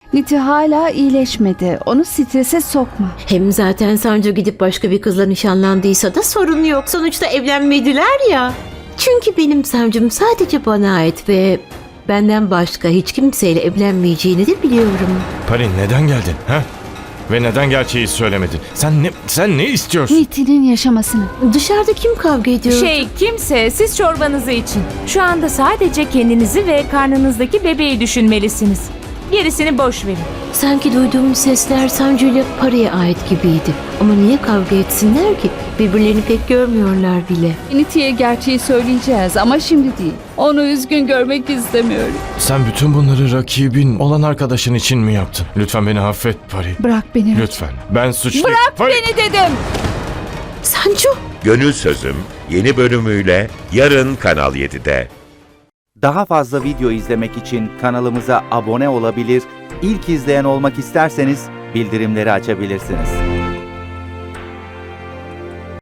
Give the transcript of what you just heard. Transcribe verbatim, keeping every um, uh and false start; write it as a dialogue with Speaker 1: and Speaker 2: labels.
Speaker 1: Niti hala iyileşmedi. Onu strese sokma.
Speaker 2: Hem zaten Sancu gidip başka bir kızla nişanlandıysa da sorun yok. Sonuçta evlenmediler ya. Çünkü benim Sancum sadece bana ait ve benden başka hiç kimseyle evlenmeyeceğini de biliyorum.
Speaker 3: Pari neden geldin? Ha? Ve neden gerçeği söylemedin? Sen ne sen ne istiyorsun?
Speaker 1: Niti'nin yaşamasını.
Speaker 2: Dışarıda kim kavga ediyor?
Speaker 4: Şey kimse siz çorbanızı için. Şu anda sadece kendinizi ve karnınızdaki bebeği düşünmelisiniz. Gerisini boş verin.
Speaker 2: Sanki duyduğum sesler Sancu ile Pari'ye ait gibiydi. Ama niye kavga etsinler ki? Birbirlerini pek görmüyorlar bile.
Speaker 1: Niti'ye gerçeği söyleyeceğiz ama şimdi değil. Onu üzgün görmek istemiyorum.
Speaker 3: Sen bütün bunları rakibin olan arkadaşın için mi yaptın? Lütfen beni affet Pari.
Speaker 1: Bırak beni.
Speaker 3: Lütfen. Ben suçluyum.
Speaker 1: Bırak
Speaker 3: Pari.
Speaker 1: beni dedim.
Speaker 2: Sancu!
Speaker 5: Gönül Sözüm yeni bölümüyle yarın Kanal yedide.
Speaker 6: Daha fazla video izlemek için kanalımıza abone olabilir, ilk izleyen olmak isterseniz bildirimleri açabilirsiniz.